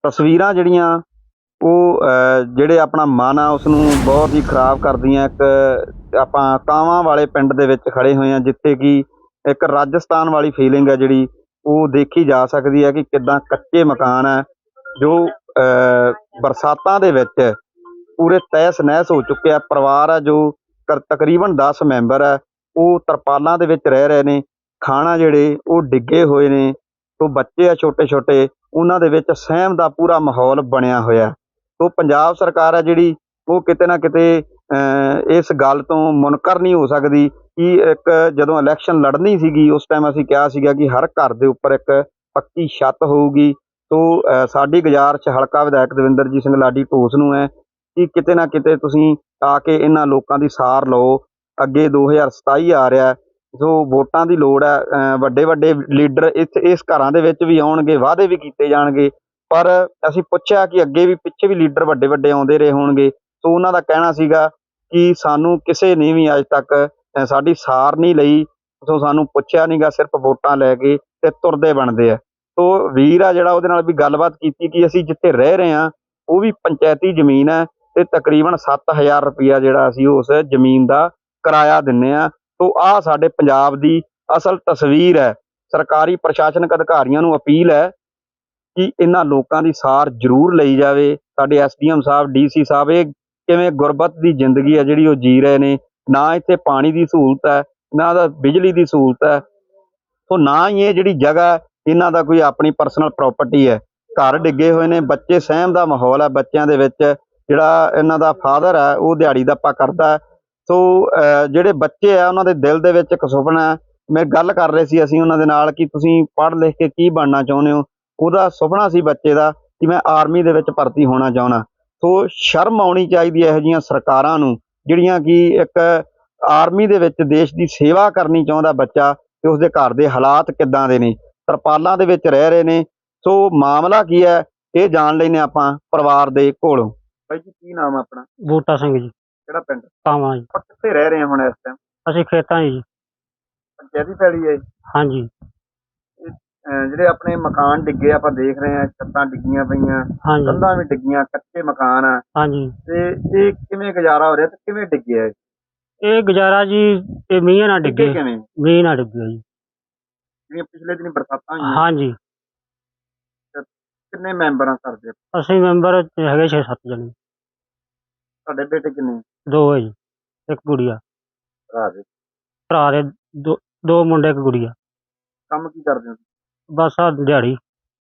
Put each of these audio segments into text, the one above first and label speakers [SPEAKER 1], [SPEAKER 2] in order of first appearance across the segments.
[SPEAKER 1] ਤਸਵੀਰਾਂ ਜਿਹੜੀਆਂ ਉਹ ਜਿਹੜੇ ਆਪਣਾ ਮਨ ਆ ਉਸ ਨੂੰ ਬਹੁਤ ਹੀ ਖਰਾਬ ਕਰਦੀਆਂ। ਇੱਕ ਆਪਾਂ ਕਾਵਾਂ ਵਾਲੇ ਪਿੰਡ ਦੇ ਵਿੱਚ ਖੜੇ ਹੋਏ ਹਾਂ, ਜਿੱਥੇ ਕਿ ਇੱਕ ਰਾਜਸਥਾਨ ਵਾਲੀ ਫੀਲਿੰਗ ਹੈ ਜਿਹੜੀ ਉਹ ਦੇਖੀ ਜਾ ਸਕਦੀ ਹੈ ਕਿ ਕਿੱਦਾਂ ਕੱਚੇ ਮਕਾਨ ਹੈ ਜੋ ਬਰਸਾਤਾਂ ਦੇ ਵਿੱਚ ਪੂਰੇ ਤਹਿਸ ਨਹਿਸ ਹੋ ਚੁੱਕੇ ਆ। ਪਰਿਵਾਰ ਆ ਜੋ ਤਕਰੀਬਨ 10 ਮੈਂਬਰ ਹੈ, ਉਹ ਤਰਪਾਲਾਂ ਦੇ ਵਿੱਚ ਰਹਿ ਰਹੇ ਨੇ। ਖਾਣਾ ਜਿਹੜੇ ਉਹ ਡਿੱਗੇ ਹੋਏ ਨੇ, ਤੋ ਬੱਚੇ ਆ ਛੋਟੇ ਛੋਟੇ, ਉਹਨਾਂ ਦੇ ਵਿੱਚ ਸਹਿਮ ਦਾ ਪੂਰਾ ਮਾਹੌਲ ਬਣਿਆ ਹੋਇਆ। ਤੋ ਪੰਜਾਬ ਸਰਕਾਰ ਹੈ ਜਿਹੜੀ ਉਹ ਕਿਤੇ ਨਾ ਕਿਤੇ ਇਸ ਗੱਲ ਤੋਂ ਮੁਨਕਰ ਨਹੀਂ ਹੋ ਸਕਦੀ ਕਿ ਇੱਕ ਜਦੋਂ ਇਲੈਕਸ਼ਨ ਲੜਨੀ ਸੀਗੀ ਉਸ ਟਾਈਮ ਅਸੀਂ ਕਿਹਾ ਸੀਗਾ ਕਿ ਹਰ ਘਰ ਦੇ ਉੱਪਰ ਇੱਕ ਪੱਕੀ ਛੱਤ ਹੋਊਗੀ। ਤੋ ਸਾਡੀ ਗੁਜ਼ਾਰਿਸ਼ ਹਲਕਾ ਵਿਧਾਇਕ ਦਵਿੰਦਰਜੀਤ ਸਿੰਘ ਲਾਡੀ ਢੋਸ ਨੂੰ ਹੈ ਕਿ ਕਿਤੇ ਨਾ ਕਿਤੇ ਤੁਸੀਂ ਆ ਕੇ ਇਹਨਾਂ ਲੋਕਾਂ ਦੀ ਸਾਰ ਲਓ। ਅੱਗੇ 2027 ਆ ਰਿਹਾ, ਸੋ ਵੋਟਾਂ ਦੀ ਲੋੜ ਹੈ। ਵੱਡੇ ਵੱਡੇ ਲੀਡਰ ਇਸ ਘਰਾਂ ਦੇ ਵਿੱਚ ਵੀ ਆਉਣਗੇ, ਵਾਅਦੇ ਵੀ ਕੀਤੇ ਜਾਣਗੇ, ਪਰ ਅਸੀਂ ਪੁੱਛਿਆ ਕਿ ਅੱਗੇ ਵੀ ਪਿੱਛੇ ਵੀ ਲੀਡਰ ਵੱਡੇ ਵੱਡੇ ਆਉਂਦੇ ਰਹੇ ਹੋਣਗੇ। ਸੋ ਉਹਨਾਂ ਦਾ ਕਹਿਣਾ ਸੀਗਾ ਕਿ ਸਾਨੂੰ ਕਿਸੇ ਨੇ ਵੀ ਅੱਜ ਤੱਕ ਸਾਡੀ ਸਾਰ ਨਹੀਂ ਲਈ, ਸੋ ਸਾਨੂੰ ਪੁੱਛਿਆ ਨਹੀਂ ਗਾ, ਸਿਰਫ ਵੋਟਾਂ ਲੈ ਕੇ ਤੇ ਤੁਰਦੇ ਬਣਦੇ ਆ। ਸੋ ਵੀਰ ਆ ਜਿਹੜਾ ਉਹਦੇ ਨਾਲ ਵੀ ਗੱਲਬਾਤ ਕੀਤੀ ਕਿ ਅਸੀਂ ਜਿੱਥੇ ਰਹਿ ਰਹੇ ਹਾਂ ਉਹ ਵੀ ਪੰਚਾਇਤੀ ਜ਼ਮੀਨ ਹੈ ਤੇ ਤਕਰੀਬਨ 7000 ਰੁਪਈਆ ਜਿਹੜਾ ਅਸੀਂ ਉਸ ਜ਼ਮੀਨ ਦਾ ਕਿਰਾਇਆ ਦਿੰਦੇ ਹਾਂ। ਸੋ ਆਹ ਸਾਡੇ ਪੰਜਾਬ ਦੀ ਅਸਲ ਤਸਵੀਰ ਹੈ। ਸਰਕਾਰੀ ਪ੍ਰਸ਼ਾਸਨਿਕ ਅਧਿਕਾਰੀਆਂ ਨੂੰ ਅਪੀਲ ਹੈ ਕਿ ਇਹਨਾਂ ਲੋਕਾਂ ਦੀ ਸਾਰ ਜ਼ਰੂਰ ਲਈ ਜਾਵੇ। ਸਾਡੇ ਐਸਡੀਐਮ ਸਾਹਿਬ, ਡੀਸੀ ਸਾਹਿਬ, ਇਹ ਕਿਵੇਂ ਗੁਰਬਤ ਦੀ ਜ਼ਿੰਦਗੀ ਹੈ ਜਿਹੜੀ ਉਹ ਜੀ ਰਹੇ ਨੇ। ਨਾ ਇੱਥੇ ਪਾਣੀ ਦੀ ਸਹੂਲਤ ਹੈ, ਨਾ ਦਾ ਬਿਜਲੀ ਦੀ ਸਹੂਲਤ ਹੈ, ਸੋ ਨਾ ਹੀ ਇਹ ਜਿਹੜੀ ਜਗ੍ਹਾ ਇਹਨਾਂ ਦਾ ਕੋਈ ਆਪਣੀ ਪਰਸਨਲ ਪ੍ਰਾਪਰਟੀ ਹੈ। ਘਰ ਡਿੱਗੇ ਹੋਏ ਨੇ, ਬੱਚੇ ਸਹਿਮ ਦਾ ਮਾਹੌਲ ਹੈ ਬੱਚਿਆਂ ਦੇ ਵਿੱਚ। ਜਿਹੜਾ ਇਹਨਾਂ ਦਾ ਫਾਦਰ ਹੈ ਉਹ ਦਿਹਾੜੀ ਦੱਪਾ ਕਰਦਾ। ਸੋ ਜਿਹੜੇ ਬੱਚੇ ਆ ਉਹਨਾਂ ਦੇ ਦਿਲ ਦੇ ਵਿੱਚ ਇੱਕ ਸੁਪਨਾ ਹੈ। ਮੈਂ ਗੱਲ ਕਰ ਰਹੇ ਸੀ ਅਸੀਂ ਉਹਨਾਂ ਦੇ ਨਾਲ ਕਿ ਤੁਸੀਂ ਪੜ੍ਹ ਲਿਖ ਕੇ ਕੀ ਬਣਨਾ ਚਾਹੁੰਦੇ ਹੋ। ਉਹਦਾ ਸੁਪਨਾ ਸੀ ਬੱਚੇ ਦਾ ਕਿ ਮੈਂ ਆਰਮੀ ਦੇ ਵਿੱਚ ਭਰਤੀ ਹੋਣਾ ਚਾਹੁੰਦਾ। ਸੋ ਸ਼ਰਮ ਆਉਣੀ ਚਾਹੀਦੀ ਹੈ ਇਹੋ ਜਿਹੀਆਂ ਸਰਕਾਰਾਂ ਨੂੰ ਜਿਹੜੀਆਂ ਕਿ ਇੱਕ ਆਰਮੀ ਦੇ ਵਿੱਚ ਦੇਸ਼ ਦੀ ਸੇਵਾ ਕਰਨੀ ਚਾਹੁੰਦਾ ਬੱਚਾ ਤੇ ਉਸਦੇ ਘਰ ਦੇ ਹਾਲਾਤ ਕਿੱਦਾਂ ਦੇ ਨੇ, ਤਰਪਾਲਾਂ ਦੇ ਵਿੱਚ ਰਹਿ ਰਹੇ ਨੇ। ਸੋ ਮਾਮਲਾ ਕੀ ਹੈ ਇਹ ਜਾਣ ਲੈਂਦੇ ਆਪਾਂ ਪਰਿਵਾਰ ਦੇ ਕੋਲੋਂ। ਬਾਈ ਜੀ ਕੀ ਨਾਮ ਹੈ ਆਪਣਾ?
[SPEAKER 2] ਬੂਟਾ ਸਿੰਘ ਜੀ,
[SPEAKER 1] ਕਿਹੜਾ ਪਿੰਡ?
[SPEAKER 2] ਕਾਵਾਂ ਜੀ।
[SPEAKER 1] ਆਪਾਂ ਕਿੱਥੇ ਰਹਿ ਰਹੇ ਹਾਂ ਹੁਣ ਇਸ ਟਾਈਮ?
[SPEAKER 2] ਅਸੀਂ ਖੇਤਾਂ 'ਚ ਜੀ।
[SPEAKER 1] ਪੰਚਾਇਤੀ ਪੈਲੀ ਹੈ?
[SPEAKER 2] ਹਾਂਜੀ
[SPEAKER 1] ਜਿਹੜੇ ਆਪਣੇ ਮਕਾਨ ਡਿੱਗੇ ਆਪਾਂ ਦੇਖ ਰਹੇ ਹਾਂ, ਛੱਤਾਂ ਡਿੱਗੀਆਂ ਪਈਆਂ,
[SPEAKER 2] ਹਾਂਜੀ
[SPEAKER 1] ਕੰਧਾਂ ਵੀ ਡਿੱਗੀਆਂ, ਕੱਚੇ ਮਕਾਨ ਆ,
[SPEAKER 2] ਹਾਂਜੀ।
[SPEAKER 1] ਤੇ ਇਹ ਕਿਵੇਂ ਗੁਜ਼ਾਰਾ ਹੋ ਰਿਹਾ ਤੇ ਕਿਵੇਂ ਡਿੱਗਿਆ ਇਹ?
[SPEAKER 2] ਇਹ ਗੁਜ਼ਾਰਾ ਜੀ ਇਹ ਮੀਂਹ ਨਾਲ ਡਿੱਗੇ।
[SPEAKER 1] ਕਿਵੇਂ?
[SPEAKER 2] ਮੀਂਹ ਨਾਲ ਡਿੱਗੇ ਜੀ।
[SPEAKER 1] ਜਿਵੇਂ ਪਿਛਲੇ ਦਿਨ ਬਰਸਾਤਾਂ ਹੋਈਆਂ।
[SPEAKER 2] ਹਾਂਜੀ।
[SPEAKER 1] ਕਿੰਨੇ ਮੈਂਬਰ ਆ ਘਰ ਦੇ?
[SPEAKER 2] ਅਸੀਂ ਮੈਂਬਰ ਹੈਗੇ 6-7 ਜਣੇ।
[SPEAKER 1] ਤੁਹਾਡੇ ਬੇਟੇ ਕਿੰਨੇ?
[SPEAKER 2] 2 ਹੈ ਜੀ, ਇੱਕ ਗੁੜੀਆ।
[SPEAKER 1] ਭਰਾ ਦੇ?
[SPEAKER 2] ਭਰਾ ਦੇ 2 ਮੁੰਡੇ, ਇੱਕ ਗੁੜੀਆ।
[SPEAKER 1] ਕੰਮ ਕੀ ਕਰਦੇ ਹੋ?
[SPEAKER 2] ਬਸ ਆ ਦਿਹਾੜੀ।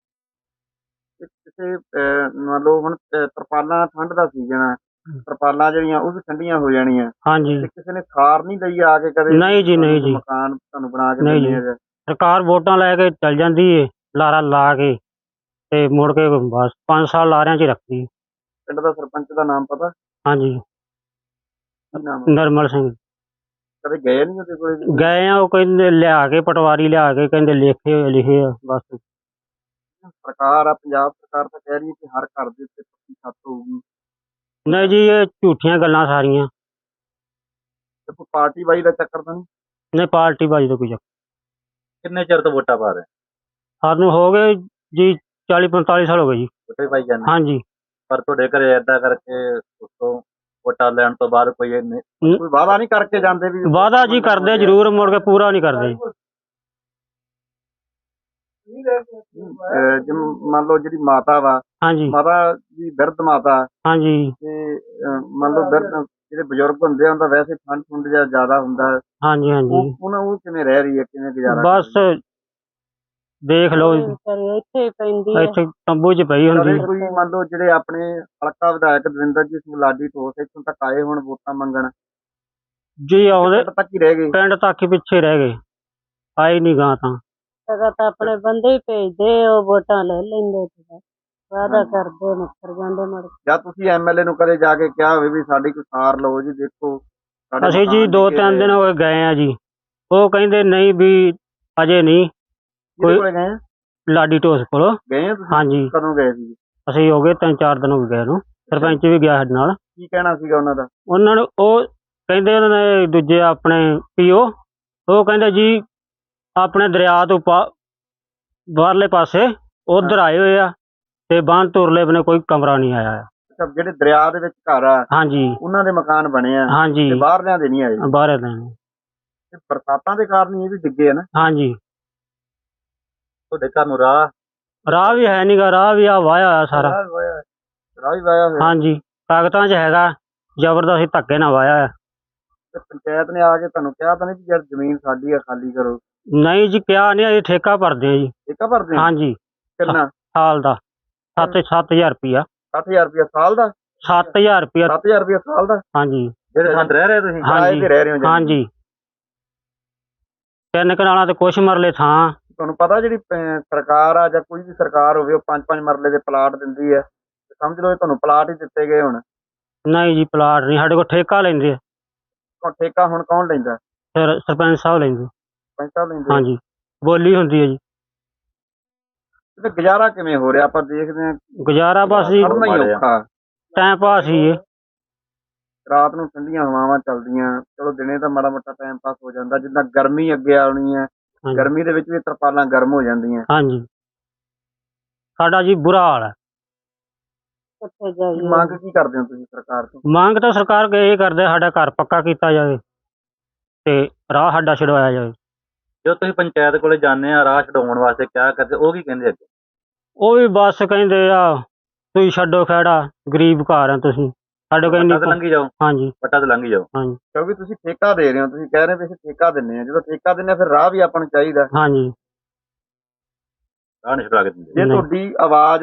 [SPEAKER 1] ਕਿਸੇ ਮੰਨ ਲਓ ਹੁਣ ਤਰਪਾਲਾਂ, ਠੰਡ ਦਾ ਸੀਜ਼ਨ ਆ, ਤਰਪਾਲਾਂ ਜਿਹੜੀਆਂ ਉਹ ਵੀ ਠੰਡੀਆਂ ਹੋ ਜਾਣੀਆਂ।
[SPEAKER 2] ਹਾਂਜੀ।
[SPEAKER 1] ਤੇ ਕਿਸੇ ਨੇ ਸਾਰ ਨਹੀਂ ਲਈ ਆ ਕੇ ਕਦੇ?
[SPEAKER 2] ਨਹੀਂ ਜੀ, ਨਹੀਂ ਜੀ।
[SPEAKER 1] ਮਕਾਨ ਤੁਹਾਨੂੰ ਬਣਾ ਕੇ
[SPEAKER 2] ਨਹੀਂ
[SPEAKER 1] ਦਿੰਦੇ
[SPEAKER 2] ਜੀ,
[SPEAKER 1] ਆ?
[SPEAKER 2] ਸਰਕਾਰ ਵੋਟਾਂ ਲੈ ਕੇ ਚੱਲ ਜਾਂਦੀ ਏ, ਲਾਰਾ ਲਾ ਕੇ ਤੇ ਮੁੜ ਕੇ ਬਸ 5 ਸਾਲ ਲਾਰਿਆਂ 'ਚ ਰੱਖਦੀ।
[SPEAKER 1] ਪਿੰਡ ਦਾ ਸਰਪੰਚ ਦਾ ਨਾਮ ਪਤਾ?
[SPEAKER 2] ਹਾਂਜੀ,
[SPEAKER 1] ਕੀ ਨਾਮ?
[SPEAKER 2] ਨਰਮਲ ਸਿੰਘ।
[SPEAKER 1] ਕਦੇ ਗਏ ਨਹੀਂ ਉਹਦੇ ਕੋਲ?
[SPEAKER 2] ਗਏ ਆ, ਉਹ ਕਹਿੰਦੇ ਲਿਆ ਕੇ ਪਟਵਾਰੀ ਲਿਆ ਕੇ ਕਹਿੰਦੇ ਲਿਖੇ ਆ ਬਸ।
[SPEAKER 1] ਸਰਕਾਰ ਆ ਪੰਜਾਬ ਸਰਕਾਰ ਤਾਂ ਕਹਿ ਰਹੀ ਹੈ ਕਿ ਹਰ ਘਰ ਦੇ ਉੱਤੇ ਪੱਕੀ ਛੱਤ ਹੋਊਗੀ।
[SPEAKER 2] ਨਹੀਂ ਜੀ, ਇਹ ਝੂਠੀਆਂ ਗੱਲਾਂ ਸਾਰੀਆਂ।
[SPEAKER 1] ਤੇ ਕੋਈ ਪਾਰਟੀ ਬਾਈ ਦਾ ਚੱਕਰ ਤਾਂ ਨਹੀਂ?
[SPEAKER 2] ਨਹੀਂ, ਪਾਰਟੀ ਬਾਜੀ ਦਾ ਕੋਈ ਚੱਕਰ।
[SPEAKER 1] ਕਿੰਨੇ ਚਿਰ ਤੋਂ ਵੋਟਾਂ ਪਾ ਰਹੇ?
[SPEAKER 2] ਸਾਨੂੰ ਹੋ ਗਏ ਜੀ 40-45 ਸਾਲ ਹੋ ਗਏ ਜੀ।
[SPEAKER 1] ਵੋਟੇ ਪਾਈ ਜਾਂਦੇ?
[SPEAKER 2] ਹਾਂਜੀ।
[SPEAKER 1] ਪਰ ਤੁਹਾਡੇ ਘਰੇ ਏਦਾਂ ਕਰਕੇ ਉਸਤੋਂ ਵੋਟਾਂ ਲੈਣ ਤੋਂ ਬਾਅਦ ਕੋਈ ਵਾਅਦਾ ਨਹੀਂ ਕਰਕੇ ਜਾਂਦੇ? ਵੀ
[SPEAKER 2] ਵਾਅਦਾ ਜੀ ਕਰਦੇ ਜ਼ਰੂਰ, ਮੁੜ ਕੇ ਪੂਰਾ ਨਹੀਂ ਕਰਦੇ।
[SPEAKER 1] ਮੰਨ ਲਓ ਜਿਹੜੀ ਮਾਤਾ ਵਾ,
[SPEAKER 2] ਹਾਂਜੀ
[SPEAKER 1] ਮਾਤਾ ਦੀ ਬਿਰਧ ਮਾਤਾ,
[SPEAKER 2] ਹਾਂਜੀ
[SPEAKER 1] ਤੇ ਮੰਨ ਲਓ ਬਿਰਧ ਜਿਹੜੇ ਬਜ਼ੁਰਗ ਹੁੰਦੇ ਆ, ਉਹਦਾ ਵੈਸੇ ਠੰਡ ਠੁੰਡ ਜਿਹਾ ਜ਼ਿਆਦਾ ਹੁੰਦਾ।
[SPEAKER 2] ਹਾਂਜੀ ਹਾਂਜੀ।
[SPEAKER 1] ਉਹ ਕਿਵੇਂ ਰਹਿ ਰਹੀ ਹੈ, ਕਿਵੇਂ ਗੁਜ਼ਾਰਾ?
[SPEAKER 2] ਬਸ ਦੇਖ ਲਓ, ਇੱਥੇ ਤੰਬੂ 'ਚ ਪਈ ਹੁੰਦੀ।
[SPEAKER 1] ਕੋਈ ਮੰਨ ਲਓ ਜਿਹੜੇ ਆਪਣੇ ਹਲਕਾ ਵਿਧਾਇਕ ਦਵਿੰਦਰਜੀਤ ਸਿੰਘ ਲਾਡੀ ਢੋਸ ਇੱਥੋਂ ਤੱਕ ਆਏ ਹੁਣ ਵੋਟਾਂ ਮੰਗਣ
[SPEAKER 2] ਜੀ, ਆਉਂਦੇ
[SPEAKER 1] ਪਿੰਡ ਤੱਕ ਹੀ ਰਹਿ ਗਏ?
[SPEAKER 2] ਪਿੰਡ ਤੱਕ ਹੀ ਪਿੱਛੇ ਰਹਿ ਗਏ, ਆਏ ਨਹੀਂ ਗਾਂ ਤਾਂ
[SPEAKER 3] ਆਪਣੇ ਬੰਦੇ ਹੀ ਭੇਜਦੇ, ਉਹ ਵੋਟਾਂ ਲੈ ਲੈਂਦੇ, ਵਾਅਦਾ ਕਰਦੇ, ਮੁੱਕਰ ਜਾਂਦੇ ਮੁੜ ਕੇ।
[SPEAKER 1] ਜਾਂ ਤੁਸੀਂ ਐਮਐਲਏ ਨੂੰ ਕਦੇ ਜਾ ਕੇ ਕਿਹਾ ਹੋਵੇ ਵੀ ਸਾਡੀ ਕੋਈ ਸਾਰ ਲਓ ਜੀ, ਦੇਖੋ?
[SPEAKER 2] ਅਸੀਂ ਜੀ 2-3 ਦਿਨ ਹੋ ਗਏ ਆ ਜੀ, ਉਹ ਕਹਿੰਦੇ ਨਹੀਂ ਵੀ ਅਜੇ ਨਹੀਂ।
[SPEAKER 1] ਕੋਈ ਗਏ?
[SPEAKER 2] ਲਾਡੀ ਢੋਸ ਕੋਲ
[SPEAKER 1] ਗਏ ਆ ਤੁਸੀਂ?
[SPEAKER 2] ਹਾਂਜੀ।
[SPEAKER 1] ਕਦੋਂ ਗਏ ਸੀ?
[SPEAKER 2] ਅਸੀਂ ਹੋ ਗਏ 3-4 ਦਿਨ ਹੋ ਗਏ ਨੂੰ। ਸਰਪੰਚ ਵੀ ਗਿਆ ਸਾਡੇ ਨਾਲ।
[SPEAKER 1] ਕੀ ਕਹਿਣਾ ਸੀਗਾ ਉਹਨਾਂ ਦਾ?
[SPEAKER 2] ਉਹਨਾਂ ਨੂੰ ਉਹ ਕਹਿੰਦੇ, ਉਹਨਾਂ ਨੇ ਦੂਜੇ ਆਪਣੇ ਪੀਓ, ਉਹ ਕਹਿੰਦੇ ਜੀ ਆਪਣੇ ਦਰਿਆ ਤੋਂ ਬਾਹਰਲੇ ਪਾਸੇ ਉਧਰ ਆਏ ਹੋਏ ਆ ਤੇ ਬੰਨ ਤੁਰਲੇ ਬਨੇ ਕੋਈ ਕਮਰਾ ਨਹੀਂ ਆਇਆ।
[SPEAKER 1] ਅੱਛਾ, ਜਿਹੜੇ ਦਰਿਆ ਦੇ ਵਿੱਚ ਘਰ ਆ
[SPEAKER 2] ਹਾਂਜੀ
[SPEAKER 1] ਉਹਨਾਂ ਦੇ ਮਕਾਨ ਬਣੇ ਆ
[SPEAKER 2] ਹਾਂਜੀ
[SPEAKER 1] ਤੇ ਬਾਹਰਲਿਆਂ ਦੇ ਨਹੀਂ ਆਏ।
[SPEAKER 2] ਬਾਹਰ ਦੇ ਨੇ।
[SPEAKER 1] ਤੇ ਬਰਸਾਤਾਂ ਦੇ ਕਾਰਨ ਹੀ ਇਹ ਵੀ ਡਿੱਗੇ ਆ ਨਾ।
[SPEAKER 2] ਹਾਂਜੀ
[SPEAKER 1] ਤੁਹਾਡੇ ਘਰ ਨੂੰ ਰਾਹ
[SPEAKER 2] ਵੀ ਹੈ ਨੀਗਾ, ਰਾਹ ਵੀ ਆ ਵਾਇਆ ਹੋਇਆ ਸਾਰਾ।
[SPEAKER 1] ਰਾਹ ਵੀ ਵਾਇਆ ਹੋਇਆ।
[SPEAKER 2] ਹਾਂਜੀ ਕਾਗਜ਼ਾਂ 'ਚ ਹੈਗਾ, ਜ਼ਬਰਦਸਤੀ ਧੱਕੇ ਨਾਲ ਵਾਇਆ ਹੋਇਆ।
[SPEAKER 1] ਤੇ ਪੰਚਾਇਤ ਨੇ ਆ ਕੇ ਤੁਹਾਨੂੰ ਕਿਹਾ ਤਾਂ ਨਹੀਂ ਵੀ ਯਾਰ ਜ਼ਮੀਨ ਸਾਡੀ ਆ, ਖਾਲੀ ਕਰੋ?
[SPEAKER 2] ਨਹੀਂ ਜੀ ਕਿਹਾ ਨਹੀਂ, ਅਸੀਂ ਠੇਕਾ ਭਰਦੇ ਆ ਜੀ।
[SPEAKER 1] ਠੇਕਾ ਭਰਦੇ ਆ?
[SPEAKER 2] ਹਾਂਜੀ
[SPEAKER 1] ਕਿੰਨਾ?
[SPEAKER 2] ਸਾਲ ਦਾ 7,000 ਰੁਪਇਆ।
[SPEAKER 1] 60,000 ਰੁਪਇਆ ਸਾਲ ਦਾ?
[SPEAKER 2] 7,000 ਰੁਪਇਆ।
[SPEAKER 1] 7,000 ਰੁਪਇਆ ਸਾਲ ਦਾ?
[SPEAKER 2] ਹਾਂਜੀ
[SPEAKER 1] ਜਿਹੜੇ ਸੰਦ ਰਹਿ ਰਹੇ ਤੁਸੀਂ ਕਿਰਾਏ ਤੇ ਰਹਿ ਰਹੇ ਹੋ?
[SPEAKER 2] ਹਾਂਜੀ 3 ਕਨਾਲਾਂ ਤੇ ਕੁਛ ਮਰਲੇ ਥਾਂ।
[SPEAKER 1] ਤੁਹਾਨੂੰ ਪਤਾ ਜਿਹੜੀ ਸਰਕਾਰ ਆ ਜਾਂ ਕੋਈ ਵੀ ਸਰਕਾਰ ਹੋਵੇ ਉਹ 5-5 ਮਰਲੇ ਦੇ ਪਲਾਟ ਦਿੰਦੀ ਹੈ, ਤੇ ਸਮਝ ਲਓ ਇਹ ਤੁਹਾਨੂੰ ਪਲਾਟ ਹੀ ਦਿੱਤੇ ਗਏ ਹੁਣ।
[SPEAKER 2] ਨਹੀਂ ਜੀ ਪਲਾਟ ਨਹੀਂ, ਸਾਡੇ ਕੋਲ ਠੇਕਾ ਲੈਂਦੇ ਆ।
[SPEAKER 1] ਠੇਕਾ ਹੁਣ ਕੌਣ ਲੈਂਦਾ?
[SPEAKER 2] ਫਿਰ ਸਰਪੰਚ ਸਾਹਿਬ ਲੈਂਦੇ।
[SPEAKER 1] ਸਰਪੰਚ ਸਾਹਿਬ ਲੈਂਦੇ?
[SPEAKER 2] ਹਾਂਜੀ ਬੋਲੀ ਹੁੰਦੀ ਹੈ ਜੀ।
[SPEAKER 1] ਤੇ ਗੁਜ਼ਾਰਾ ਕਿਵੇਂ ਹੋ ਰਿਹਾ? ਆਪਾਂ ਦੇਖਦੇ ਹਾਂ
[SPEAKER 2] ਗੁਜ਼ਾਰਾ ਬਸ ਜੀ
[SPEAKER 1] ਕਰਨਾ ਹੀ ਔਖਾ।
[SPEAKER 2] ਟਾਈਮ ਪਾਸ ਹੀ ਹੈ।
[SPEAKER 1] ਰਾਤ ਨੂੰ ਠੰਡੀਆਂ ਹਵਾਵਾਂ ਚੱਲਦੀਆਂ, ਚਲੋ ਦਿਨੇ ਤਾਂ ਮਾੜਾ ਮੋਟਾ ਟਾਈਮ ਪਾਸ ਹੋ ਜਾਂਦਾ। ਜਿੱਦਾਂ ਗਰਮੀ ਅੱਗੇ ਆਉਣੀ ਹੈ, ਗਰਮੀ ਦੇ ਵਿੱਚ ਵੀ ਤਰਪਾਲਾਂ ਗਰਮ ਹੋ ਜਾਂਦੀਆਂ।
[SPEAKER 2] ਹਾਂਜੀ ਸਾਡਾ ਜੀ ਬੁਰਾ ਹਾਲ ਹੈ।
[SPEAKER 3] ਕਿੱਥੇ ਜਾਈਏ?
[SPEAKER 1] ਮੰਗ ਕੀ ਕਰਦੇ ਹੋ ਤੁਸੀਂ ਸਰਕਾਰ ਤੋਂ?
[SPEAKER 2] ਮੰਗ ਤਾਂ ਸਰਕਾਰ ਇਹ ਕਰਦੇ ਸਾਡਾ ਘਰ ਪੱਕਾ ਕੀਤਾ ਜਾਵੇ ਤੇ ਰਾਹ ਸਾਡਾ ਛਡਵਾਇਆ ਜਾਵੇ।
[SPEAKER 1] ਜਦੋਂ ਤੁਸੀਂ ਪੰਚਾਇਤ ਕੋਲੇ ਜਾਂਦੇ ਆ ਰਾਹ ਛਡਾਉਣ ਵਾਸਤੇ ਕਿਆ ਕਰਦੇ, ਉਹ ਕੀ ਕਹਿੰਦੇ ਅੱਗੇ?
[SPEAKER 2] ਉਹ ਵੀ ਬਸ ਕਹਿੰਦੇ ਆ ਤੁਸੀਂ ਛੱਡੋ ਖਹਿੜਾ, ਗਰੀਬ ਘਰ ਆ ਤੁਸੀਂ, ਸਾਡੇ ਕੋਲ ਇੰਨੀ।
[SPEAKER 1] ਲੰਘੀ ਜਾਓ।
[SPEAKER 2] ਹਾਂਜੀ
[SPEAKER 1] ਪੱਟਾ ਤੇ ਲੰਘੀ ਜਾਓ।
[SPEAKER 2] ਹਾਂਜੀ
[SPEAKER 1] ਕਿਉਂਕਿ ਤੁਸੀਂ ਠੇਕਾ ਦੇ ਰਹੇ ਹੋ, ਤੁਸੀਂ ਕਹਿ ਰਹੇ ਹੋ ਅਸੀਂ ਠੇਕਾ ਦਿੰਦੇ ਆ। ਜਦੋਂ ਠੇਕਾ ਦਿੰਦੇ ਆ ਫਿਰ ਰਾਹ ਵੀ ਆਪਾਂ ਨੂੰ ਚਾਹੀਦਾ।
[SPEAKER 2] ਹਾਂਜੀ
[SPEAKER 1] ਰਾਹ ਨਹੀਂ ਛੁਡਾ ਕੇ ਦਿੰਦੇ। ਜੇ ਤੁਹਾਡੀ ਆਵਾਜ਼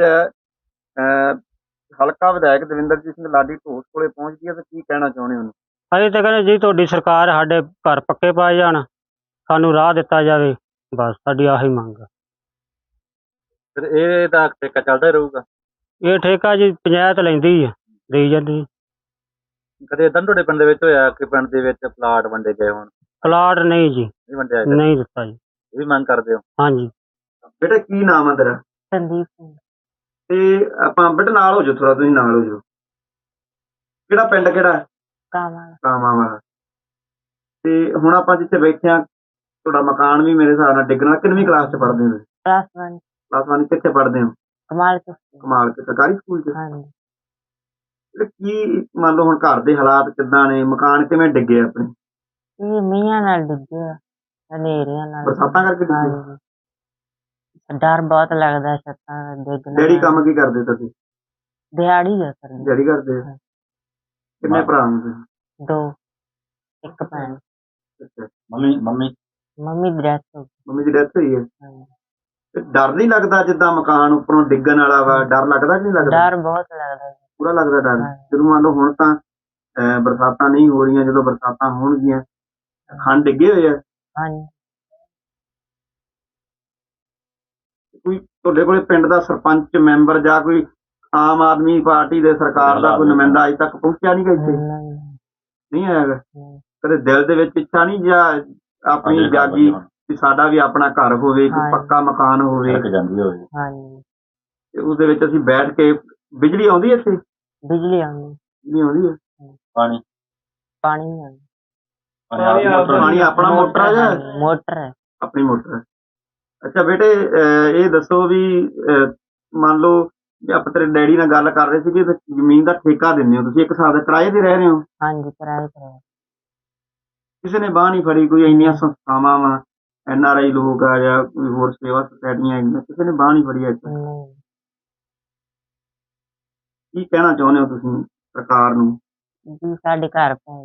[SPEAKER 1] ਹਲਕਾ ਵਿਧਾਇਕ ਦਵਿੰਦਰਜੀਤ ਸਿੰਘ ਲਾਡੀ ਢੋਸ ਕੋਲੇ ਪਹੁੰਚਦੀ ਹੈ ਤਾਂ ਕੀ ਕਹਿਣਾ ਚਾਹੁੰਦੇ ਹੋ?
[SPEAKER 2] ਅਸੀਂ ਤਾਂ ਕਹਿੰਦੇ ਜੀ ਤੁਹਾਡੀ ਸਰਕਾਰ ਸਾਡੇ ਘਰ ਪੱਕੇ ਪਾਏ ਜਾਣ, ਸਾਨੂੰ ਰਾਹ ਦਿੱਤਾ ਜਾਵੇ, ਬਸ ਸਾਡੀ ਆਹੀ ਮੰਗ ਆ।
[SPEAKER 1] ਫਿਰ ਇਹ ਤਾਂ ਠੇਕਾ ਚੱਲਦਾ ਰਹੂਗਾ?
[SPEAKER 2] ਇਹ ਠੇਕਾ ਜੀ ਪੰਚਾਇਤ ਲੈਂਦੀ ਆ, ਦੇਈ ਜਾਂਦੀ।
[SPEAKER 1] ਕਦੇ ਏਦਾਂ ਤੁਹਾਡੇ ਪਿੰਡ ਦੇ ਵਿੱਚ ਹੋਇਆ ਕਿ ਪਿੰਡ ਦੇ ਵਿੱਚ ਪਲਾਟ ਵੰਡੇ ਗਏ ਹੋਣ?
[SPEAKER 2] ਪਲਾਟ ਨਹੀਂ ਜੀ,
[SPEAKER 1] ਨਹੀਂ ਵੰਡਿਆ?
[SPEAKER 2] ਨਹੀਂ ਦਿੱਤਾ ਜੀ।
[SPEAKER 1] ਇਹ ਵੀ ਮੰਗ ਕਰਦੇ ਹੋ?
[SPEAKER 2] ਹਾਂਜੀ
[SPEAKER 1] ਬੇਟਾ ਕੀ ਨਾਮ ਆ ਤੇਰਾ?
[SPEAKER 3] ਸੰਦੀਪ ਸਿੰਘ।
[SPEAKER 1] ਤੇ ਆਪਾਂ ਬੇਟਾ ਨਾਲ ਹੋ ਜਾਓ, ਥੋੜਾ ਤੁਸੀਂ ਨਾਲ ਹੋ ਜਾਓ। ਕਿਹੜਾ ਪਿੰਡ ਕਿਹੜਾ?
[SPEAKER 3] ਕਾਵਾਂ।
[SPEAKER 1] ਕਾਵਾਂ ਵਾਲਾ। ਤੇ ਹੁਣ ਆਪਾਂ ਜਿੱਥੇ ਬੈਠੇ ਆ ਤੁਹਾਡਾ ਮਕਾਨ ਵੀ ਮੇਰੇ ਹਿਸਾਬ ਨਾਲ ਡਿੱਗਣਾ। ਕਿੰਨਵੀਂ ਕਲਾਸ ਚ ਪੜ੍ਹਦੇ ਹੋ? ਕਲਾਸ 1। ਕਿੱਥੇ ਪੜ੍ਹਦੇ ਹੋ?
[SPEAKER 3] ਕਮਾਲ
[SPEAKER 1] ਕੇ ਸਰਕਾਰੀ ਸਕੂਲ ਚ?
[SPEAKER 3] ਹਾਂਜੀ।
[SPEAKER 1] ਕੀ ਮੰਨ ਲਓ ਹੁਣ ਘਰ ਦੇ ਹਾਲਾਤ ਕਿੱਦਾਂ ਨੇ? ਮਕਾਨ ਕਿਵੇਂ ਡਿੱਗੇ ਆਪਣੇ?
[SPEAKER 3] ਇਹ ਮੀਂਹਾਂ ਨਾਲ ਡਿੱਗੇ, ਹਨੇਰੀਆਂ ਨਾਲ।
[SPEAKER 1] ਬਰਸਾਤਾਂ ਕਰਕੇ ਡਿੱਗੇ?
[SPEAKER 3] ਹਾਂਜੀ ਡਰ ਬਹੁਤ ਲੱਗਦਾ ਛੱਤਾਂ ਡਿੱਗਣ ਦਾ।
[SPEAKER 1] ਡੈਡੀ ਕੰਮ ਕੀ ਕਰਦੇ ਤੁਸੀਂ?
[SPEAKER 3] ਦਿਹਾੜੀ ਆ ਸਰ।
[SPEAKER 1] ਦਿਹਾੜੀ ਕਰਦੇ? ਕਿੰਨੇ ਭਰਾ ਹੋ ਤੁਸੀਂ?
[SPEAKER 3] 2, 1 ਭੈਣ।
[SPEAKER 1] ਮੰਮੀ
[SPEAKER 3] ਦੀ ਡੈਥ ਹੋ ਗਈ।
[SPEAKER 1] ਮੰਮੀ ਦੀ ਡੈਥ ਹੋਈ ਹੈ?
[SPEAKER 3] ਹਾਂਜੀ।
[SPEAKER 1] ਤੇ ਡਰ ਨਹੀਂ ਲੱਗਦਾ ਜਿੱਦਾਂ ਮਕਾਨ ਉੱਪਰੋਂ ਡਿੱਗਣ ਵਾਲਾ ਵਾ? ਡਰ ਲੱਗਦਾ ਕਿ ਨਹੀਂ ਲੱਗਦਾ?
[SPEAKER 3] ਡਰ ਬਹੁਤ ਲੱਗਦਾ।
[SPEAKER 1] ਪੂਰਾ ਲੱਗਦਾ ਡਰ। ਜਦੋਂ ਮੰਨ ਲਓ ਹੁਣ ਤਾਂ ਬਰਸਾਤਾਂ ਨਹੀਂ ਹੋ ਰਹੀਆਂ, ਜਦੋਂ ਬਰਸਾਤਾਂ ਹੋਣਗੀਆਂ ਖੰਡ ਡਿੱਗੇ ਹੋਏ ਆ?
[SPEAKER 3] ਹਾਂਜੀ।
[SPEAKER 1] ਕੋਈ ਤੁਹਾਡੇ ਕੋਲੇ ਪਿੰਡ ਦਾ ਸਰਪੰਚ ਮੈਂਬਰ ਜਾਂ ਕੋਈ ਆਮ ਆਦਮੀ ਪਾਰਟੀ ਦੇ ਸਰਕਾਰ ਦਾ ਕੋਈ ਨੁਮਾਇੰਦਾ ਅਜੇ ਤੱਕ ਪਹੁੰਚਿਆ ਨਹੀਂ ਗਾ ਇੱਥੇ? ਨਹੀਂ ਆਇਆ? ਕਦੇ ਦਿਲ ਦੇ ਵਿੱਚ ਇੱਛਾ ਨਹੀਂ ਜਾਂ ਆਪਣੀ ਜਾਗੀ ਵੀ ਸਾਡਾ ਵੀ ਆਪਣਾ ਘਰ ਹੋਵੇ, ਕੋਈ ਪੱਕਾ ਮਕਾਨ ਹੋਵੇ?
[SPEAKER 3] ਹਾਂਜੀ।
[SPEAKER 1] ਤੇ ਉਹਦੇ ਵਿੱਚ ਅਸੀਂ ਬੈਠ ਕੇ। ਬਿਜਲੀ ਆਉਂਦੀ ਇੱਥੇ?
[SPEAKER 3] ਬਿਜਲੀ ਆਉਂਦੀ।
[SPEAKER 1] ਬਿਜਲੀ ਆਉਂਦੀ ਹੈ? ਪਾਣੀ
[SPEAKER 3] ਨਹੀਂ ਆਉਂਦਾ।
[SPEAKER 1] ਪਾਣੀ ਆਪਣਾ ਮੋਟਰ ਹੈ ਜਾਂ?
[SPEAKER 3] ਮੋਟਰ ਹੈ।
[SPEAKER 1] ਆਪਣੀ ਮੋਟਰ ਹੈ। ਅੱਛਾ ਬੇਟੇ ਇਹ ਦੱਸੋ ਵੀ ਮੰਨ ਲਓ ਜੇ ਆਪਾਂ ਤੇਰੇ ਡੈਡੀ ਨਾਲ ਗੱਲ ਕਰ ਰਹੇ ਸੀ ਕਿ ਜ਼ਮੀਨ ਦਾ ਠੇਕਾ ਦਿੰਦੇ ਹੋ ਤੁਸੀਂ, ਇੱਕ ਹਿਸਾਬ ਦਾ ਕਿਰਾਏ ਤੇ ਰਹਿ ਰਹੇ ਹੋ?
[SPEAKER 3] ਹਾਂਜੀ ਕਿਰਾਏ ਤੇ।
[SPEAKER 1] ਕਿਸੇ ਨੇ ਬਾਂਹ ਨਹੀਂ ਫੜੀ? ਕੋਈ ਇੰਨੀਆਂ ਸੰਸਥਾਵਾਂ ਵਾ, NRI ਲੋਕ ਆ ਜਾਂ ਕੋਈ ਹੋਰ ਸੇਵਾ ਸੁਸਾਇਟੀਆਂ ਹੈਗੀਆਂ, ਕਿਸੇ ਨੇ ਬਾਂਹ ਨਹੀਂ ਫੜੀ? ਕੀ ਕਹਿਣਾ ਚਾਹੁੰਦੇ ਹੋ ਤੁਸੀਂ ਸਰਕਾਰ ਨੂੰ?
[SPEAKER 3] ਜੀ ਸਾਡੇ ਘਰ ਪੈ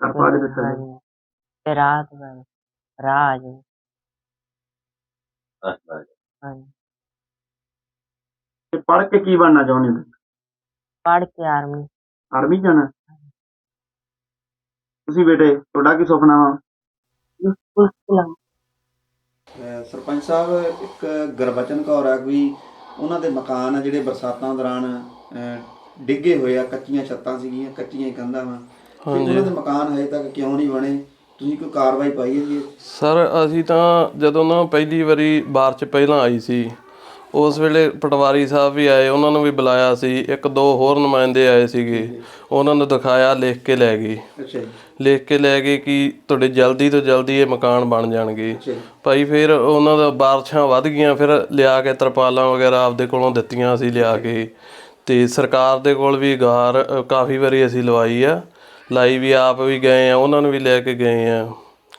[SPEAKER 3] ਤੇ ਰਾਤ ਰਾਹ ਆ ਜਾਏ। ਹਾਂਜੀ।
[SPEAKER 1] ਤੇ ਪੜ੍ਹ ਕੇ ਕੀ ਬਣਨਾ ਚਾਹੁੰਦੇ ਹੋ?
[SPEAKER 3] ਪੜ੍ਹ ਕੇ ਆਰਮੀ।
[SPEAKER 1] ਆਰਮੀ ਜਾਣਾ? ਤੁਸੀਂ ਬੇਟੇ ਤੁਹਾਡਾ ਕੀ ਸੁਪਨਾ ਵਾ? ਸਰਪੰਚ ਸਾਹਿਬ ਇੱਕ ਗੁਰਬਚਨ ਕੌਰ ਆ ਕੋਈ, ਉਹਨਾਂ ਦੇ ਮਕਾਨ ਆ ਜਿਹੜੇ ਬਰਸਾਤਾਂ ਦੌਰਾਨ ਡਿੱਗੇ ਹੋਏ ਆ, ਕੱਚੀਆਂ ਛੱਤਾਂ ਸੀਗੀਆਂ, ਕੱਚੀਆਂ ਕੰਧਾਂ ਵਾ, ਉਹਨਾਂ ਦੇ ਮਕਾਨ ਹਜੇ ਤੱਕ ਕਿਉਂ ਨਹੀਂ ਬਣੇ? ਤੁਸੀਂ ਕੋਈ ਕਾਰਵਾਈ ਪਾਈ ਹੈ ਜੀ?
[SPEAKER 4] ਸਰ ਅਸੀਂ ਤਾਂ ਜਦੋਂ ਨਾ ਪਹਿਲੀ ਵਾਰੀ ਬਾਰਿਸ਼ ਪਹਿਲਾਂ ਆਈ ਸੀ ਉਸ ਵੇਲੇ ਪਟਵਾਰੀ ਸਾਹਿਬ ਵੀ ਆਏ, ਉਹਨਾਂ ਨੂੰ ਵੀ ਬੁਲਾਇਆ ਸੀ, 1-2 ਹੋਰ ਨੁਮਾਇੰਦੇ ਆਏ ਸੀਗੇ, ਉਹਨਾਂ ਨੂੰ ਦਿਖਾਇਆ, ਲਿਖ ਕੇ ਲੈ ਗਏ। ਲਿਖ ਕੇ ਲੈ ਗਏ ਕਿ ਤੁਹਾਡੇ ਜਲਦੀ ਤੋਂ ਜਲਦੀ ਇਹ ਮਕਾਨ ਬਣ ਜਾਣਗੇ। ਭਾਈ ਫਿਰ ਉਹਨਾਂ ਦਾ ਬਾਰਿਸ਼ਾਂ ਵੱਧ ਗਈਆਂ, ਫਿਰ ਲਿਆ ਕੇ ਤਰਪਾਲਾਂ ਵਗੈਰਾ ਆਪਦੇ ਕੋਲੋਂ ਦਿੱਤੀਆਂ ਅਸੀਂ ਲਿਆ ਕੇ, ਤੇ ਸਰਕਾਰ ਦੇ ਕੋਲ ਵੀ ਗੁਹਾਰ ਕਾਫੀ ਵਾਰੀ ਅਸੀਂ ਲਾਈ ਵੀ, ਆਪ ਵੀ ਗਏ ਆ, ਉਹਨਾਂ ਨੂੰ ਵੀ ਲੈ ਕੇ ਗਏ ਆ,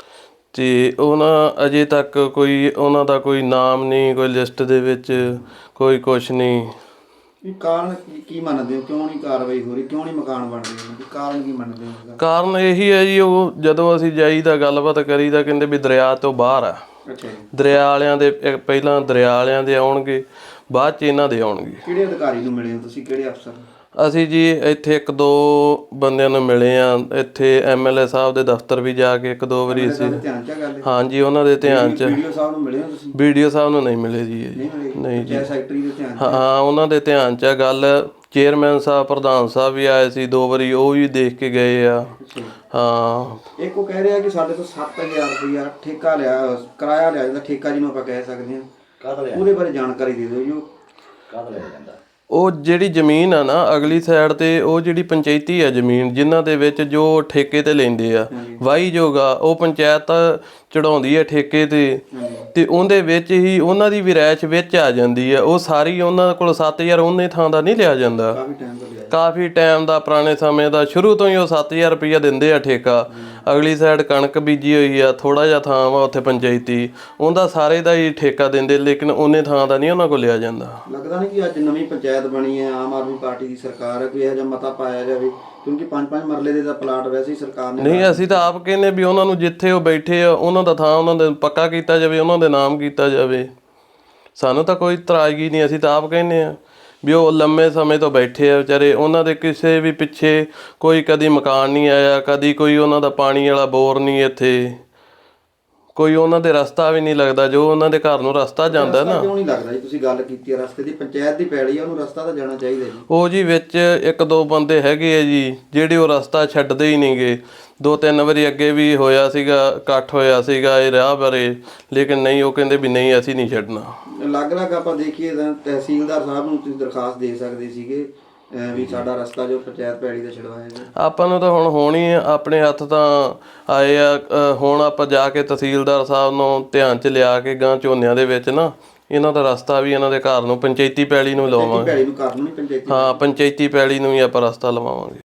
[SPEAKER 4] ਤੇ ਉਹਨਾਂ ਅਜੇ ਤੱਕ ਕੋਈ ਉਹਨਾਂ ਦਾ ਕੋਈ ਨਾਮ ਨਹੀਂ, ਕੋਈ ਲਿਸਟ ਦੇ ਵਿੱਚ ਕੋਈ ਕੁਛ ਨਹੀਂ।
[SPEAKER 1] ਕਾਰਨ ਕੀ ਮੰਨਦੇ ਹੋ, ਕਿਉਂ ਨਹੀਂ ਕਾਰਵਾਈ ਹੋ ਰਹੀ, ਕਿਉਂ ਨਹੀਂ ਮਕਾਨ ਬਣ ਰਹੇ, ਕਾਰਨ ਕੀ ਮੰਨਦੇ ਹੋ?
[SPEAKER 4] ਕਾਰਨ ਇਹੀ ਹੈ ਜੀ, ਉਹ ਜਦੋਂ ਅਸੀਂ ਜਾਈਦਾ ਗੱਲਬਾਤ ਕਰੀਦਾ ਕਹਿੰਦੇ ਵੀ ਦਰਿਆ ਤੋਂ ਬਾਹਰ ਆ। ਦਰਿਆ ਵਾਲਿਆਂ ਦੇ ਪਹਿਲਾਂ ਦਰਿਆ ਵਾਲਿਆਂ ਦੇ ਆਉਣਗੇ, ਬਾਅਦ 'ਚ ਇਹਨਾਂ ਦੇ ਆਉਣਗੇ। ਕਿਹੜੇ ਅਧਿਕਾਰੀ ਨੂੰ ਮਿਲੇ ਹੋ ਤੁਸੀਂ, ਕਿਹੜੇ ਅਫਸਰ? ਅਸੀਂ ਜੀ ਇੱਥੇ 1-2 ਬੰਦਿਆਂ ਨੂੰ ਮਿਲੇ ਆ, ਇੱਥੇ MLA ਸਾਹਿਬ ਦੇ ਦਫ਼ਤਰ ਵੀ ਜਾ ਕੇ 1-2 ਵਾਰੀ ਅਸੀਂ। ਹਾਂਜੀ, ਉਹਨਾਂ ਦੇ ਧਿਆਨ 'ਚ। BDO ਸਾਹਿਬ ਨੂੰ ਮਿਲੇ ਹੋ ਤੁਸੀਂ? BDO ਸਾਹਿਬ ਨੂੰ ਨਹੀਂ ਮਿਲੇ ਜੀ। ਨਹੀਂ ਜੀ। ਸੈਕਟਰੀ ਦੇ ਧਿਆਨ 'ਚ? ਹਾਂ, ਉਹਨਾਂ ਦੇ ਧਿਆਨ 'ਚ ਆ ਗੱਲ। ਚੇਅਰਮੈਨ ਸਾਹਿਬ, ਪ੍ਰਧਾਨ ਸਾਹਿਬ ਵੀ ਆਏ ਸੀ 2 ਵਾਰੀ, ਉਹ ਵੀ ਦੇਖ ਕੇ ਗਏ ਆ। ਹਾਂ, ਇੱਕ ਉਹ ਕਹਿ ਰਿਹਾ ਕਿ ਸਾਡੇ ਤੋਂ 7000 ਰੁਪਇਆ ਠੇਕਾ ਲਿਆ, ਕਿਰਾਇਆ ਲਿਆ ਜਾਂਦਾ, ਠੇਕਾ ਜਿਹਨੂੰ ਆਪਾਂ ਕਹਿ ਸਕਦੇ ਹਾਂ, ਉਹਦੇ ਬਾਰੇ ਜਾਣਕਾਰੀ ਦੇ ਦਿਓ ਜੀ। ਕਾਹਦਾ ਲਿਆ ਜਾਂਦਾ? ਉਹ ਜਿਹੜੀ ਜ਼ਮੀਨ ਆ ਨਾ ਅਗਲੀ ਸਾਈਡ ਤੇ, ਉਹ ਜਿਹੜੀ ਪੰਚਾਇਤੀ ਆ ਜ਼ਮੀਨ, ਜਿਨ੍ਹਾਂ ਦੇ ਵਿੱਚ ਜੋ ਠੇਕੇ ਤੇ ਲੈਂਦੇ ਆ ਵਾਹੀਯੋਗ ਆ, ਉਹ ਪੰਚਾਇਤ ਚੜਾਉਂਦੀ ਆ ਠੇਕੇ ਤੇ ਉਹਦੇ ਵਿੱਚ ਹੀ ਉਹਨਾਂ ਦੀ ਵੀ ਰਿਹਾਇਸ਼ ਵਿੱਚ ਆ ਜਾਂਦੀ ਆ। ਉਹ ਸਾਰੀ ਉਹਨਾਂ ਕੋਲ 7000 ਉਹਨੇ ਥਾਂ ਦਾ ਨਹੀਂ ਲਿਆ ਜਾਂਦਾ, ਕਾਫੀ ਟਾਈਮ ਦਾ, ਪੁਰਾਣੇ ਸਮੇਂ ਦਾ, ਸ਼ੁਰੂ ਤੋਂ ਹੀ ਉਹ 7000 ਰੁਪਈਆ ਦਿੰਦੇ ਆ ਠੇਕਾ। ਅਗਲੀ ਸਾਈਡ ਕਣਕ ਬੀਜੀ ਹੋਈ ਆ, ਥੋੜਾ ਜਿਹਾ ਥਾਂ ਵਾ ਉੱਥੇ ਪੰਚਾਇਤੀ, ਉਹਦਾ ਸਾਰੇ ਦਾ ਹੀ ਠੇਕਾ ਦਿੰਦੇ, ਲੇਕਿਨ ਉਹਨੇ ਥਾਂ ਦਾ ਨਹੀਂ ਉਹਨਾਂ ਕੋਲ ਲਿਆ ਜਾਂਦਾ। ਲੱਗਦਾ ਨਹੀਂ ਕਿ ਅੱਜ ਨਵੀਂ ਪੰਚਾਇਤ ਬਣੀ ਹੈ, ਆਮ ਆਦਮੀ ਪਾਰਟੀ ਦੀ ਸਰਕਾਰ ਹੈ, ਕੋਈ ਇਹੋ ਜਿਹਾ ਮਤਾ ਪਾਇਆ ਜਾਵੇ, ਕਿਉਂਕਿ 5-5 ਮਰਲੇ ਦੇ ਤਾਂ ਪਲਾਟ ਵੈਸੇ ਹੀ ਸਰਕਾਰ ਨੇ। ਨਹੀਂ, ਅਸੀਂ ਤਾਂ ਆਪ ਕਹਿੰਦੇ ਵੀ ਉਹਨਾਂ ਨੂੰ ਜਿੱਥੇ ਉਹ ਬੈਠੇ ਆ ਉਹਨਾਂ ਦਾ ਥਾਂ ਉਹਨਾਂ ਦੇ ਪੱਕਾ ਕੀਤਾ ਜਾਵੇ, ਉਹਨਾਂ ਦੇ ਨਾਮ ਕੀਤਾ ਜਾਵੇ। ਸਾਨੂੰ ਤਾਂ ਕੋਈ ਇਤਰਾਜ਼ਗੀ ਨਹੀਂ, ਅਸੀਂ ਤਾਂ ਆਪ ਕਹਿੰਦੇ ਆ ਵੀ ਉਹ ਲੰਮੇ ਸਮੇਂ ਤੋਂ ਬੈਠੇ ਆ ਵਿਚਾਰੇ, ਉਹਨਾਂ ਦੇ ਕਿਸੇ ਵੀ ਪਿੱਛੇ ਕੋਈ ਕਦੀ ਮਕਾਨ ਨਹੀਂ ਆਇਆ, ਕਦੀ ਕੋਈ ਉਹਨਾਂ ਦਾ ਪਾਣੀ ਵਾਲਾ ਬੋਰ ਨਹੀਂ, ਇੱਥੇ ਕੋਈ ਉਹਨਾਂ ਦੇ ਰਸਤਾ ਵੀ ਨਹੀਂ ਲੱਗਦਾ, ਜੋ ਉਹਨਾਂ ਦੇ ਘਰ ਨੂੰ ਰਸਤਾ ਜਾਂਦਾ ਨਾ। ਕਿਉਂ ਨਹੀਂ ਲੱਗਦਾ ਜੀ? ਤੁਸੀਂ ਗੱਲ ਕੀਤੀ ਹੈ ਰਸਤੇ ਦੀ, ਪੰਚਾਇਤ ਦੀ ਪੈਲੀ ਆ, ਉਹਨੂੰ ਰਸਤਾ ਤਾਂ ਜਾਣਾ ਚਾਹੀਦਾ ਜੀ। ਉਹ ਜੀ ਵਿੱਚ 1-2 ਬੰਦੇ ਹੈਗੇ ਆ ਜੀ ਜਿਹੜੇ ਉਹ ਰਸਤਾ ਛੱਡਦੇ ਹੀ ਨਹੀਂ ਗੇ। 2-3 ਵਾਰੀ ਅੱਗੇ ਵੀ ਹੋਇਆ ਸੀਗਾ, ਇਕੱਠ ਹੋਇਆ ਸੀਗਾ ਇਹ ਰਾਹ ਬਾਰੇ, ਲੇਕਿਨ ਨਹੀਂ, ਉਹ ਕਹਿੰਦੇ ਵੀ ਨਹੀਂ ਅਸੀਂ ਨਹੀਂ ਛੱਡਣਾ। ਅਲੱਗ-ਅਲੱਗ ਆਪਾਂ ਦੇਖੀਏ ਤਾਂ ਤਹਿਸੀਲਦਾਰ ਸਾਹਿਬ ਨੂੰ ਤੁਸੀਂ ਦਰਖਾਸਤ ਦੇ ਸਕਦੇ ਸੀਗੇ ਵੀ ਸਾਡਾ ਰਸਤਾ ਜੋ ਪੰਚਾਇਤ ਪੈੜੀ ਦਾ ਛਡਵਾਇਆ ਜਾਵੇ। ਆਪਾਂ ਨੂੰ ਤਾਂ ਹੁਣ ਹੋਣੀ ਆਪਣੇ ਹੱਥ ਤਾਂ ਆਏ ਆ, ਹੁਣ ਆਪਾਂ ਜਾ ਕੇ ਤਹਿਸੀਲਦਾਰ ਸਾਹਿਬ ਨੂੰ ਧਿਆਨ 'ਚ ਲਿਆ ਕੇ ਗਾਂ ਝੋਨਿਆਂ ਦੇ ਵਿੱਚ ਨਾ ਇਹਨਾਂ ਦਾ ਰਸਤਾ ਵੀ ਇਹਨਾਂ ਦੇ ਘਰ ਨੂੰ ਪੰਚਾਇਤੀ ਪੈੜੀ ਨੂੰ ਲਵਾਵਾਂਗੇ। ਹਾਂ, ਪੰਚਾਇਤੀ ਪੈੜੀ ਨੂੰ ਵੀ ਆਪਾਂ ਰਸਤਾ ਲਵਾਵਾਂਗੇ।